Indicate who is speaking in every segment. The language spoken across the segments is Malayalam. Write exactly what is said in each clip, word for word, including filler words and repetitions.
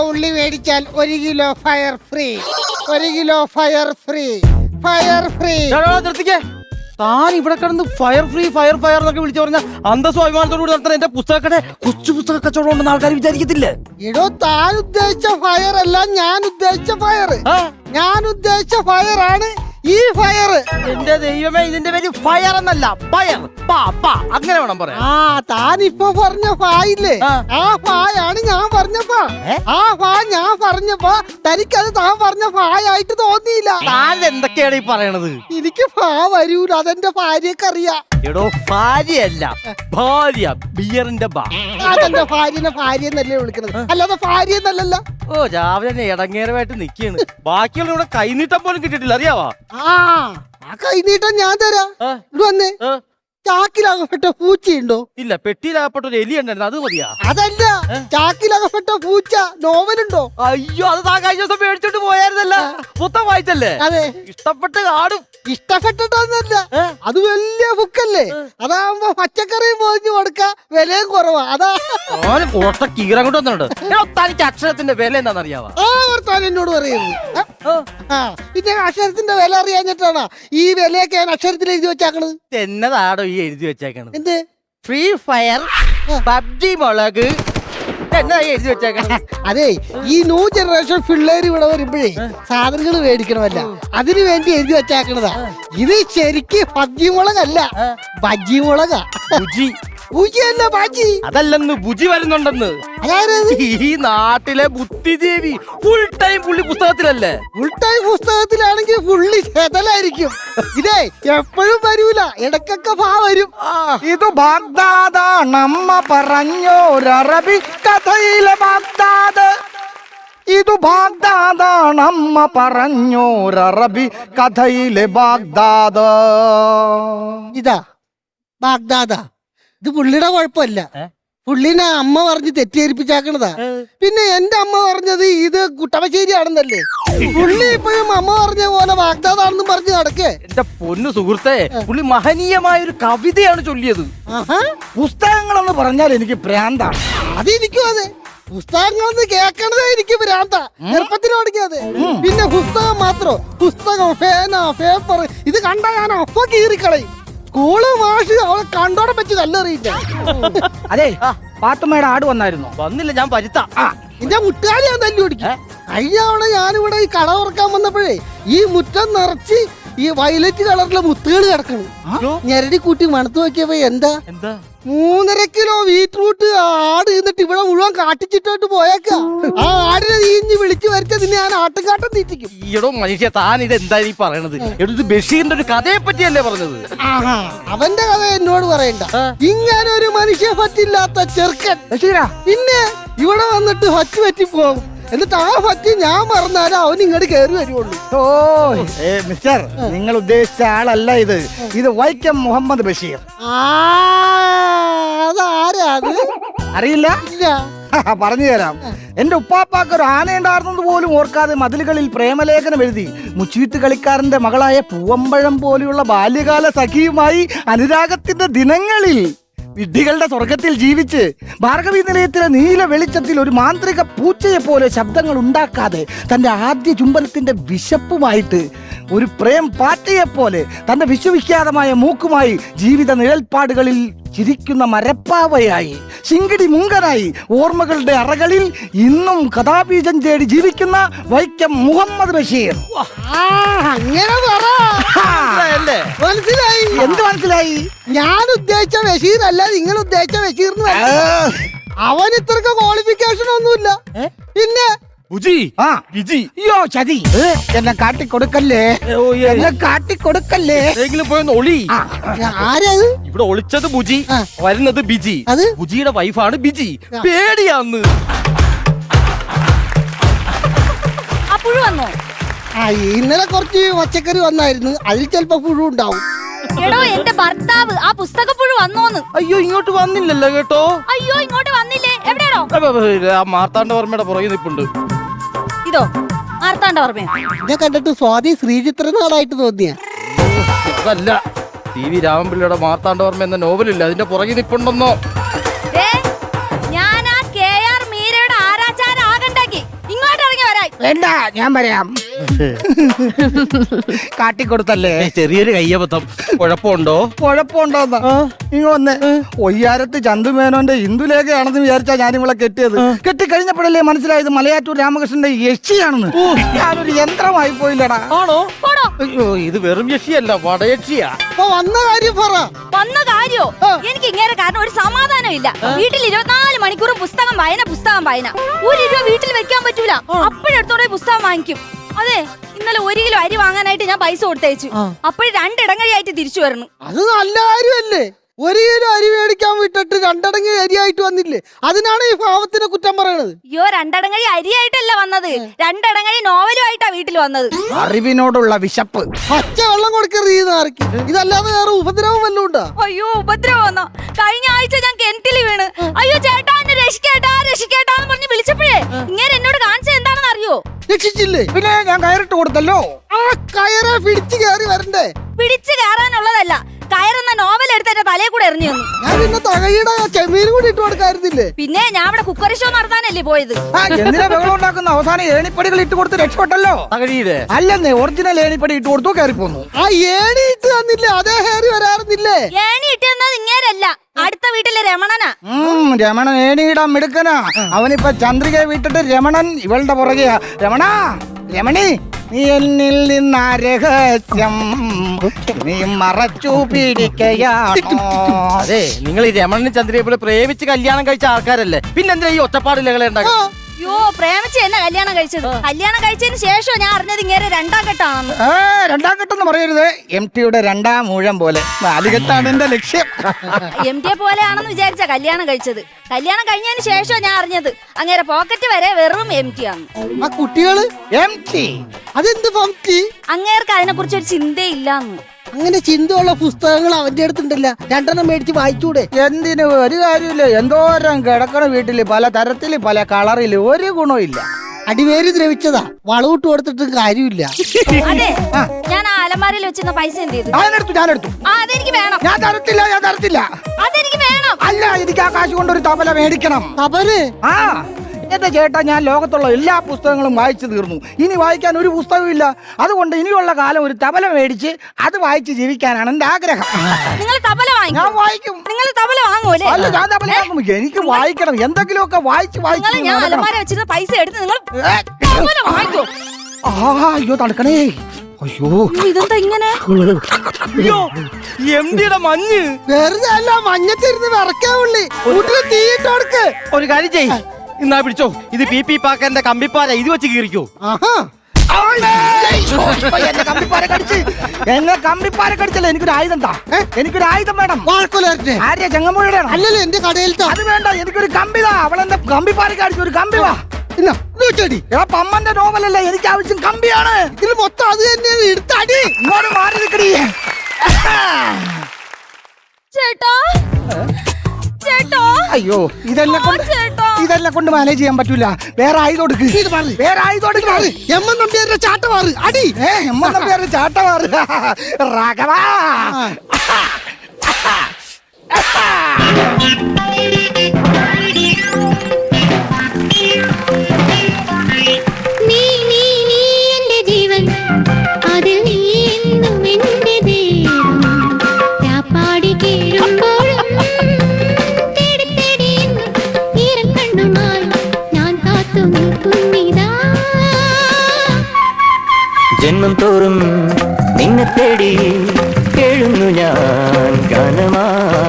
Speaker 1: ഉള്ളി മേടിച്ചാൽ ഒരു കിലോ ഫയർ ഫ്രീ, ഒരു kilo fire free, fire free.
Speaker 2: നിർത്തിക്കേ. താൻ ഇവിടെ കിടന്ന് ഫയർ ഫ്രീ ഫയർ ഫയർ എന്നൊക്കെ വിളിച്ചു പറഞ്ഞ അന്തസ്വാഭിമാനത്തോട് കൂടി നടത്തുന്ന എന്റെ പുസ്തകക്കടെ കൊച്ചു പുസ്തക കച്ചവടം ഉണ്ടെന്ന് ആൾക്കാർ വിചാരിക്കത്തില്ലേ?
Speaker 1: എടോ, താൻ ഉദ്ദേശിച്ച ഫയർ അല്ല ഞാൻ ഉദ്ദേശിച്ച ഫയർ. ഞാൻ ഉദ്ദേശിച്ച ഫയർ ആണ് ഈ ഫയർ.
Speaker 2: എന്റെ ദൈവമേ, ഇതിന്റെ പേര് ഫയർ എന്നല്ല, ഫയർ. അങ്ങനെ വേണം പറയാം.
Speaker 1: ആ താൻ ഇപ്പൊ പറഞ്ഞ ഫായില്ലേ, ആ ഫായാണ് ഞാൻ പറഞ്ഞ ഫാ. ആ ഫാ ഞാൻ പറഞ്ഞപ്പോ തനിക്കത് താൻ പറഞ്ഞ ഫായായിട്ട് തോന്നിയില്ല.
Speaker 2: താൻ എന്തൊക്കെയാണ് ഈ പറയണത്?
Speaker 1: എനിക്ക് ഫാ വരൂല, അതെന്റെ ഭാര്യക്ക് അറിയാം.
Speaker 2: എടോ, ഭാര്യയല്ല, ഭാര്യ. ബിയറിന്റെ ബാ.
Speaker 1: അതെന്റെ ഭാര്യനെ ഭാര്യ എന്നല്ലേ വിളിക്കണത്, അല്ലാതെ ഭാര്യ എന്നല്ലല്ലോ.
Speaker 2: ഓ, രാവിലെ ഇടങ്ങേരമായിട്ട് നിക്കാണ്. ബാക്കിയുള്ള ഇവിടെ കൈനീട്ടം പോലും കിട്ടിയിട്ടില്ല, അറിയാവാ?
Speaker 1: ആ ആ കൈനീട്ടം ഞാൻ തരാം. ഇവിടെ വന്നേ. ചാക്കിലകപ്പെട്ട പൂച്ചയുണ്ടോ?
Speaker 2: ഇല്ല, പെട്ടിയിലകപ്പെട്ട ഒരു എലി ഉണ്ടായിരുന്നു, അത് മതിയാ?
Speaker 1: അതല്ല, ചാക്കിലകപ്പെട്ട പൂച്ച നോവലുണ്ടോ?
Speaker 2: അയ്യോ, അത് താ കഴിഞ്ഞ ദിവസം മേടിച്ചോണ്ട് പോയായിരുന്നല്ല, മൊത്തം വായിച്ചല്ലേ?
Speaker 1: അതെ.
Speaker 2: ഇഷ്ടപ്പെട്ട് കാണും.
Speaker 1: ഇഷ്ടപ്പെട്ടിട്ടൊന്നല്ല, അത് വലിയ ബുക്കല്ലേ, അതാവുമ്പോ പച്ചക്കറിയും പോയിഞ്ഞു കൊടുക്ക, വിലയും കുറവാ. അതാ
Speaker 2: പുറത്തെ കീറം കൊണ്ട് വന്നിട്ടുണ്ട്. തനിക്ക് അക്ഷരത്തിന്റെ വില എന്താണെന്ന് അറിയാവാ?
Speaker 1: ആ വർത്താനം എന്നോട് പറയുന്നു. പിന്നെ അക്ഷരത്തിന്റെ വില അറിയാഞ്ഞിട്ടാണ് ഈ വിലയൊക്കെ ഞാൻ അക്ഷരത്തിൽ എഴുതി വെച്ചാക്കണത്.
Speaker 2: എന്നതാടോ ഈ എഴുതി വെച്ചേക്കണത്?
Speaker 1: എന്ത്?
Speaker 2: ഫ്രീ ഫയർ, പബ്ജി മുളക്, എന്നാ എഴുതി വെച്ചേക്കണത്?
Speaker 1: അതെ, ഈ ന്യൂ ജനറേഷൻ പിള്ളേര് ഇവിടെ വരുമ്പോഴേ സാധനങ്ങൾ മേടിക്കണമല്ല, അതിനു വേണ്ടി എഴുതി വെച്ചാക്കണതാ. ഇത് ശരിക്ക് പബ്ജി മുളകല്ല, ബജ്ജി മുളകാ. ബുജിയല്ല, ബാജി.
Speaker 2: അതല്ലെന്ന്, ബുജി വരുന്നുണ്ടെന്ന്.
Speaker 1: അതായത്
Speaker 2: ഈ നാട്ടിലെ ബുദ്ധിജീവി ഫുൾ ടൈം പുള്ളി പുസ്തകത്തിലല്ലേ?
Speaker 1: ഫുൾ ടൈം പുസ്തകത്തിലാണെങ്കിൽ പുള്ളി ചെതലായിരിക്കും. ഇതേ എപ്പോഴും വരൂല, ഇടക്കൊക്കെ ഭാ വരും.
Speaker 3: ഇത് ബാഗ്ദാദാണമ്മ പറഞ്ഞോരറബി കഥയിലെ ബാഗ്ദാദ്. ഇത് ബാഗ്ദാദാണമ്മ പറഞ്ഞോരറബി കഥയിലെ ബാഗ്ദാദ്.
Speaker 1: ഇതാ ബാഗ്ദാദാ. ഇത് പുള്ളിയുടെ കുഴപ്പമില്ല, പുള്ളിനെ അമ്മ പറഞ്ഞ് തെറ്റിദ്ധരിപ്പിച്ചാക്കണതാ. പിന്നെ എന്റെ അമ്മ പറഞ്ഞത് ഇത് കുട്ടമശ്ശേരിയാണെന്നല്ലേ. പുള്ളി ഇപ്പോഴും അമ്മ പറഞ്ഞ പോലെ വാഗ്ദാതാണെന്നും പറഞ്ഞ് നടക്കേ.
Speaker 2: എന്റെ പൊന്നു സുഹൃത്തെ, പുള്ളി മഹനീയമായ ഒരു കവിതയാണ് ചൊല്ലിയത്.
Speaker 3: പുസ്തകങ്ങളെന്ന് പറഞ്ഞാൽ എനിക്ക് ഭ്രാന്താണ്.
Speaker 1: അതെനിക്കും അതെ, പുസ്തകങ്ങളെന്ന് കേൾക്കണതേ എനിക്ക് ഭ്രാന്ത. ചെറുപ്പത്തിന് പഠിക്കാതെ. പിന്നെ പുസ്തകം മാത്രം, പുസ്തകം, പേന, പേപ്പർ, ഇത് കണ്ടാ ഞാൻ അപ്പൊ കീറിക്കളയും. സ്കൂള് മാഷ് അവളെ കണ്ടോടെ വെച്ച് കല്ലെറിയില്ല.
Speaker 3: അതെ, പാത്തുമ്മയുടെ ആട് വന്നായിരുന്നു?
Speaker 2: വന്നില്ല, ഞാൻ പരുത്ത.
Speaker 1: എന്റെ മുട്ടുകാരി ഞാൻ തല്ലി ഓടിക്കും. കഴിഞ്ഞ തവണ ഞാനിവിടെ ഈ കട തുറക്കാൻ വന്നപ്പോഴേ ഈ മുറ്റം നിറച്ച് ഈ വയലറ്റ് കളറിലെ മുത്തുകൾ കിടക്കണം. ഞെരടി കൂട്ടി മണത്ത് നോക്കിയപ്പോ എന്താ
Speaker 2: എന്താ
Speaker 1: മൂന്നര കിലോ ബീറ്റ്റൂട്ട് ആട് എന്നിട്ട് ഇവിടെ മുഴുവൻ കാട്ടിച്ചിട്ടോട്ട് പോയേക്കാ. ആ ആടിനെ നീഞ്ഞ് വിളിച്ചു വരുത്തത് ഞാൻ ആട്ടും കാട്ടം തീറ്റിക്കും.
Speaker 2: ഈടോ മനുഷ്യ, താൻ ഇത് എന്താ ഈ പറയണത്? ഇത് ബഷീറിന്റെ ഒരു കഥയെ പറ്റിയല്ലേ പറഞ്ഞത്?
Speaker 1: ആഹാ, അവന്റെ കഥ എന്നോട് പറയണ്ട. ഇങ്ങനെ ഒരു മനുഷ്യ പറ്റില്ലാത്ത ചെറുക്കൻ ബഷീറാ പിന്നെ ഇവിടെ വന്നിട്ട് ഹച്ച് പറ്റി പോകും. എന്നിട്ട് ആ പറ്റി ഞാൻ മറന്നാലും അവൻ ഇങ്ങോട്ട് കയറി വരുവുള്ളൂ.
Speaker 3: ഓ മിസ്റ്റർ, നിങ്ങൾ ഉദ്ദേശിച്ച ആളല്ല ഇത്. ഇത് വൈക്കം മുഹമ്മദ് ബഷീർ.
Speaker 1: അതാരാ അത്?
Speaker 3: അറിയില്ല?
Speaker 1: ഇല്ല.
Speaker 3: പറഞ്ഞു തരാം. എന്റെ ഉപ്പാപ്പാക്ക് ഒരു ആനയുണ്ടായിരുന്നത് പോലും ഓർക്കാതെ മതിലുകളിൽ പ്രേമലേഖനം എഴുതി മുച്ചീട്ട് കളിക്കാരന്റെ മകളായ പൂവമ്പഴം പോലെയുള്ള ബാല്യകാല സഖിയുമായി അനുരാഗത്തിന്റെ ദിനങ്ങളിൽ വിഡ്ഢികളുടെ സ്വർഗത്തിൽ ജീവിച്ച് ഭാർഗവി നിലയത്തിലെ നീല വെളിച്ചത്തിൽ ഒരു മാന്ത്രിക പൂച്ചയെ പോലെ ശബ്ദങ്ങൾ ഉണ്ടാക്കാതെ തന്റെ ആദ്യ ചുംബനത്തിന്റെ വിശപ്പുമായിട്ട് ഒരു പ്രേം പാറ്റയെ പോലെ തന്റെ വിശ്വവിഖ്യാതമായ മൂക്കുമായി ജീവിത നിഴൽപ്പാടുകളിൽ ചിരിക്കുന്ന മരപ്പാവയായി ശിങ്കിടി മുങ്കനായി ഓർമ്മകളുടെ അറകളിൽ ഇന്നും കഥാബീജം തേടി ജീവിക്കുന്ന വൈക്കം മുഹമ്മദ് ബഷീർ.
Speaker 1: അങ്ങനെ മനസ്സിലായി?
Speaker 3: എന്ത് മനസ്സിലായി?
Speaker 1: ഞാൻ ഉദ്ദേശിച്ച ബഷീർ അല്ല നിങ്ങൾ ഉദ്ദേശിച്ച ബഷീർ. അവൻ ഇത്രക്ക് ക്വാളിഫിക്കേഷൻ ഒന്നുമില്ല. പിന്നെ
Speaker 3: അയ്യോ ചതി, എന്നെ കാട്ടിക്കൊടുക്കല്ലേ, എന്നെ കാട്ടിക്കൊടുക്കല്ലേ.
Speaker 1: ആരത്?
Speaker 2: ഇവിടെ ഒളിച്ചത് ബുജി, വരുന്നത് ബിജി.
Speaker 1: അത്
Speaker 2: ബുജിയുടെ വൈഫാണ് ബിജി. പേടിയാന്ന്.
Speaker 1: ആ ഇന്നലെ കുറച്ച് പച്ചക്കറി വന്നായിരുന്നു, അതിൽ ചിലപ്പോ പുഴു ഉണ്ടാവും.
Speaker 4: എടോ, എന്റെ ഭർത്താവ് ആ പുസ്തകപ്പുഴു വന്നോന്ന്.
Speaker 2: അയ്യോ, ഇങ്ങോട്ട് വന്നില്ലല്ലോ കേട്ടോ.
Speaker 4: അയ്യോ, ഇങ്ങോട്ട് വന്നില്ലേ? എവിടെയാണോ?
Speaker 2: മാർത്താണ്ഡവർമ്മയുടെ പുറകെ നിൽപ്പുണ്ട്.
Speaker 4: ഇതോ മാർത്താണ്ഡവർമ്മ?
Speaker 1: ഞാൻ കണ്ടിട്ട് സ്വാതി ശ്രീചിത്ര നാടായിട്ട് തോന്നിയ
Speaker 2: അതല്ല, ടി വി രാമൻപിള്ളയുടെ മാർത്താണ്ഡവർമ്മ എന്ന നോവലില്ല, അതിന്റെ പുറകെ നിൽപ്പുണ്ടെന്നോ.
Speaker 4: ഞാൻ ആ കെ ആർ മീരയുടെ ആരാചാര ആകണ്ടാക്കി
Speaker 3: വേണ്ട ഞാൻ പറയാം. കാട്ടിക്കൊടുത്തല്ലേ.
Speaker 2: ഏയ്, ചെറിയൊരു കയ്യബദ്ധം. കുഴപ്പമുണ്ടോ?
Speaker 3: കുഴപ്പമുണ്ടോന്ന് ഇങ്ങ വന്ന് ഒയ്യാരത്ത് ചന്തുമേനോന്റെ ഇന്ദുലേഖയാണെന്ന് വിചാരിച്ചാ ഞാൻ ഇവളെ കെട്ടിയത്. കെട്ടിക്കഴിഞ്ഞപ്പോഴല്ലേ മനസ്സിലായത് മലയാറ്റൂർ രാമകൃഷ്ണന്റെ യക്ഷിയാണെന്ന്. ഞാനൊരു യന്ത്രമായി പോയില്ലടാ.
Speaker 2: ആണോ? അയ്യോ, ഇത് വെറും യക്ഷിയല്ല, വടയക്ഷിയാ.
Speaker 1: അപ്പൊ വന്ന കാര്യം പറ.
Speaker 4: വന്ന കാര്യോ? എനിക്ക് ഇങ്ങനെ കാരണം ഒരു സമാധാനം ഇല്ല. വീട്ടിൽ ഇരുപത്തിനാല് മണിക്കൂറും പുസ്തകം വായന പുസ്തകം വായന. ഒരു രൂപ വീട്ടിൽ വെക്കാൻ പറ്റൂല. അപ്പോഴെടുത്തോടെ പുസ്തകം വാങ്ങിക്കും. അതെ, ഇന്നലെ ഒരു കിലോ അരി വാങ്ങാനായിട്ട് ഞാൻ പൈസ കൊടുത്തയച്ചു. അപ്പോഴും രണ്ടിടങ്ങഴിയായിട്ട് തിരിച്ചു വരണം.
Speaker 1: അത് നല്ല കാര്യമല്ലേ? ഒരു കിലോ അരി മേടിക്കാൻ വിട്ടിട്ട് രണ്ടടങ്ങി അരിയായിട്ട് വന്നില്ലേ? അതിനാണ് ഈ പാവത്തിനെ കുറ്റം പറയണത്.
Speaker 4: അയ്യോ, രണ്ടടങ്ങഴി അരിയായിട്ടല്ല വന്നത്, രണ്ടടങ്ങഴി നോവലുമായിട്ടാ വീട്ടിൽ വന്നത്.
Speaker 3: അറിവിനോടുള്ള വിശപ്പ്.
Speaker 1: പച്ച വെള്ളം കൊടുക്കരുത് ഈ നാറിക്ക്. ഇതല്ലാതെ വേറെ ഉപദ്രവം വല്ലതും ഉണ്ടോ?
Speaker 4: അയ്യോ, ഉപദ്രവം വന്നോ? കഴിഞ്ഞ ആഴ്ച ഞാൻ കിണറ്റിൽ വീണ്. അയ്യോ ചേട്ടാ, എന്നെ രക്ഷിക്കേട്ടാ രക്ഷിക്കേട്ടാന്ന് പറഞ്ഞ് വിളിച്ചപ്പോഴേ ഇങ്ങനെ എന്നോട് കാണിച്ചത് എന്താണെന്ന് അറിയോ?
Speaker 1: രക്ഷിച്ചില്ലേ?
Speaker 3: പിന്നെ ഞാൻ കയറിട്ട് കൊടുത്തല്ലോ.
Speaker 1: ആ കയറെ പിടിച്ചു കയറി വരണ്ടേ?
Speaker 4: പിടിച്ചു കയറാനുള്ളതല്ല, കയറുന്ന നോവൽ എടുത്ത് എന്റെ തലയിൽ കൂടെ എറിഞ്ഞു തന്നു.
Speaker 1: ഞാൻ പിന്നെ തകയുടെ ചെമ്മീനും കൂടി ഇട്ട് കൊടുക്കായിരുന്നില്ലേ?
Speaker 4: പിന്നെ ഞാൻ ഇവിടെ കുക്കറി ഷോ നടത്താനല്ലേ പോയത്.
Speaker 3: ആ, എന്തിനാ ബഹളം ഉണ്ടാക്കുന്ന? അവസാനം ഏണിപ്പടികൾ ഇട്ട് കൊടുത്ത് രക്ഷപ്പെട്ടല്ലോ.
Speaker 2: തകഴിയുടെ
Speaker 3: അല്ലെന്നേ, ഒറിജിനൽ ഏണിപ്പടി ഇട്ട് കൊടുത്തു, കയറി പോന്നു.
Speaker 1: ആ ഏണി ഇട്ട് തന്നില്ലേ? അതേ കയറി വരാറുന്നില്ലേ?
Speaker 4: ഏണി ഇട്ടുന്നത് ഇങ്ങേരല്ല, അടുത്ത വീട്ടിലെ രമണനാ.
Speaker 3: ഉം, രമണൻ ഏണിയിടാൻ മിടുക്കനാ. അവനിപ്പോ ചന്ദ്രികയെ വിട്ടിട്ട് രമണൻ ഇവളുടെ പുറകെയാ. രമണ, രമണി, നീ എന്നിൽ നിന്നാ രഹസ്യം നീ മറച്ചു പിടിക്കയാണോ?
Speaker 2: അതെ, നിങ്ങൾ ഈ രമണന് ചന്ദ്രയെ പോലെ പ്രേമിച്ച് കല്യാണം കഴിച്ച ആൾക്കാരല്ലേ, പിന്നെന്തിനാ ഈ ഒറ്റപ്പാടിലകളെ ഉണ്ടാക്കി?
Speaker 4: അയ്യോ, പ്രേമിച്ച് എന്നെ കല്യാണം കഴിച്ചത്. കല്യാണം കഴിച്ചതിന് ശേഷം ഞാൻ അറിഞ്ഞത് ഇങ്ങനെ രണ്ടാം ഘട്ടമാണെന്ന്.
Speaker 3: ഏ, രണ്ടാം ഘട്ടം പറയരുത്. എം ടിയുടെ രണ്ടാം മൂഴം പോലെ നാലുകെട്ടാണ് എന്റെ ലക്ഷ്യം.
Speaker 4: എം ടി പോലെയാണെന്ന് വിചാരിച്ച കല്യാണം കഴിച്ചത്. കല്യാണം കഴിഞ്ഞതിന് ശേഷം ഞാൻ അറിഞ്ഞത് അങ്ങനെ പോക്കറ്റ് വരെ വെറും എം ടി ആണ്.
Speaker 1: ആ കുട്ടികള്
Speaker 3: എം ടി
Speaker 1: അതെന്ത് പംക്തി?
Speaker 4: അങ്ങേർക്ക് അതിനെ കുറിച്ച് ഒരു ചിന്തയില്ലാന്ന്.
Speaker 1: അങ്ങനെ ചിന്തയുള്ള പുസ്തകങ്ങൾ അവന്റെ അടുത്തുണ്ടല്ല, രണ്ടെണ്ണം മേടിച്ച് വായിച്ചൂടെ?
Speaker 3: എന്തിനു? ഒരു കാര്യമില്ല. എന്തോരം കിടക്കണ വീട്ടില്, പല തരത്തില് പല കളറില്, ഒരു ഗുണമില്ല.
Speaker 1: അടിവേര് ദ്രവിച്ചതാ, വളവിട്ട് കൊടുത്തിട്ടും കാര്യമില്ല.
Speaker 4: അതെ, ഞാൻ ആ അലമാരയിൽ വെച്ചിരുന്ന പൈസ എന്ത് ചെയ്തു?
Speaker 3: ഞാനെടുത്തു ഞാനെടുത്തു
Speaker 4: ആ, അതെനിക്ക് വേണം.
Speaker 3: ഞാൻ തരത്തില്ല ഞാൻ തരത്തില്ല.
Speaker 4: അതെനിക്ക് വേണം.
Speaker 3: അല്ല, എനിക്ക് ആ കാശ് കൊണ്ടൊരു തബല മേടിക്കണം.
Speaker 1: അവര്
Speaker 3: ആ, എന്റെ ചേട്ടാ, ഞാൻ ലോകത്തുള്ള എല്ലാ പുസ്തകങ്ങളും വായിച്ചു തീർന്നു. ഇനി വായിക്കാൻ ഒരു പുസ്തകവും ഇല്ല. അതുകൊണ്ട് ഇനിയുള്ള കാലം ഒരു തബല മേടിച്ച് അത് വായിച്ച് ജീവിക്കാനാണ് എന്റെ ആഗ്രഹം.
Speaker 4: നിങ്ങൾ തബല വാങ്ങിക്കും?
Speaker 3: ഞാൻ വായിക്കും.
Speaker 4: നിങ്ങൾ തബല വാങ്ങൂലേ?
Speaker 3: അല്ല, ഞാൻ തബല വാങ്ങും. എനിക്ക് വായിക്കണം, എന്തെങ്കിലുമൊക്കെ വായിച്ച്
Speaker 4: നിങ്ങൾ
Speaker 3: വായിച്ച്
Speaker 4: ഞാൻ
Speaker 3: നടക്കണം.
Speaker 4: അലമാര വെച്ചിരുന്ന പൈസ എടുത്ത് നിങ്ങൾ
Speaker 3: ഏ,
Speaker 4: തബല വാങ്ങിക്കോ.
Speaker 3: ആ, അയ്യോ തണുക്കണേ. അയ്യോ,
Speaker 4: അയ്യോ, ഇതെന്താ ഇങ്ങനെ?
Speaker 2: അയ്യോ, എം ഡിയുടെ മഞ്ഞ്.
Speaker 1: വെറുതെ അല്ല, മഞ്ഞത്തിരുന്ന് വിറക്കാവുള്ളി. വീട്ടില് തീയിട്ട് കൊടുക്ക്.
Speaker 2: ഒരു കാര്യം ചെയ്, ഇന്നാ പിടിച്ചോ, ഇത് പി പി പാക്കന്റെ കമ്പിപ്പാര, ഇത് വെച്ച് കീറിക്കോ.
Speaker 1: ആഹാ,
Speaker 3: എന്നെ കമ്പിപ്പാര കടിച്ച് എന്നെ കമ്പിപ്പാര കടിച്ചല്ലേ. എനിക്കൊരു ആയുധം താ. എനിക്കൊരു ആയുധം വേണം.
Speaker 1: വാഴക്കൊലേ
Speaker 3: ആര്യ ചെങ്ങമ്പുഴയുടെ
Speaker 1: അല്ലല്ലോ എന്റെ കടയിലത്തെ.
Speaker 3: അത് വേണ്ട, എനിക്കൊരു കമ്പി താ. അവളെന്നെ കമ്പിപ്പാര കടിച്ചു. ഒരു കമ്പി വാ.
Speaker 1: ഇന്നാ, ഇത് വെച്ചടി.
Speaker 3: എടാ, പമ്മന്റെ നോവലല്ല, എനിക്ക് ആവശ്യം കമ്പിയാണ്.
Speaker 1: ഇതിൽ മൊത്തം അത് തന്നെയാണ്. എടുത്തടി.
Speaker 3: ഇങ്ങോട്ട് മാറി നിൽക്കടി.
Speaker 4: ചേട്ടാ, ചേട്ടാ,
Speaker 3: അയ്യോ, ഇതെന്നെ കൊണ്ട്
Speaker 4: ചേട്ടാ.
Speaker 3: ഇതെന്നെ കൊണ്ട് മാനേജ് ചെയ്യാൻ പറ്റൂല. വേറെ ആയുധം കൊടുക്ക്.
Speaker 1: ഇത് മാറി.
Speaker 3: വേറെ ആയുധം കൊടുക്ക്.
Speaker 1: എം എൻ നമ്പ്യാരുടെ ചാട്ട മാറ്. അടി.
Speaker 3: ഏ, എമ്മ പേര് ചാട്ടമാറ്. രാഘവ.
Speaker 5: നീ നീ നീ എന്റെ ജീവൻ, അതിൽ നീ എന്നും എന്റെ ദൈവം. രാപ്പാടി കേഴുമ്പോഴും തേടി തേടി എന്നും ഈരം കണ്ണുമായി ഞാൻ കാത്തു നിൽക്കുന്നിതാ.
Speaker 6: ജന്മം തോറും നിന്നെ തേടി കേഴുന്നു ഞാൻ ഗാനമാ.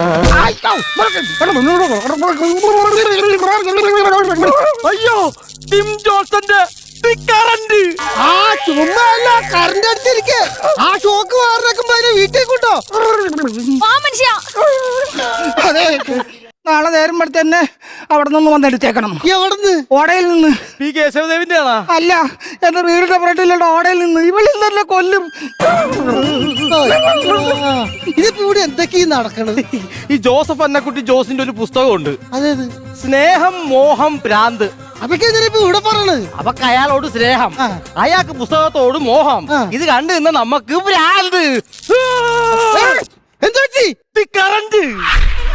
Speaker 2: അയ്യോ, ടിം ജോൺസന്റെ കറണ്ട്.
Speaker 1: ആ ചുമ്മാ അല്ല, കറണ്ട് അടിച്ചിരിക്കെ. ആ ഷോക്ക് മാറിനേക്കുമ്പോ അതിനെ വീട്ടിൽ കൊണ്ടോ.
Speaker 4: ആ മനുഷ്യ,
Speaker 3: അതെ, നാളെ നേരം എടുത്ത് തന്നെ അവിടെ നിന്ന് വന്നെടുത്തേക്കണം.
Speaker 1: എവിടുന്ന്?
Speaker 3: ഓടയിൽ നിന്ന്.
Speaker 2: പി കേശവദേവിന്റെ ആണോ?
Speaker 3: അല്ല, എന്റെ വീടിന്റെ പുറത്തിലുള്ള ഓടയിൽ നിന്ന്. ഇവളിൽ തന്നെ കൊല്ലും.
Speaker 1: ഇതിപ്പോ ഇവിടെ എന്തൊക്കെയാ നടക്കണത്?
Speaker 2: ഈ ജോസഫ് അന്നക്കുട്ടി ജോസിന്റെ ഒരു പുസ്തകമുണ്ട്,
Speaker 1: അതേത്?
Speaker 2: സ്നേഹം മോഹം ഭ്രാന്ത്.
Speaker 1: അതൊക്കെ എന്തിനാ ഇവിടെ പറയണത്?
Speaker 2: അവക്ക് അയാളോട് സ്നേഹം, അയാൾക്ക് പുസ്തകത്തോട് മോഹം. ഇത് കണ്ടു നിന്ന് നമുക്ക് ഭ്രാന്ത്.
Speaker 1: എന്താ
Speaker 2: കറണ്ട്.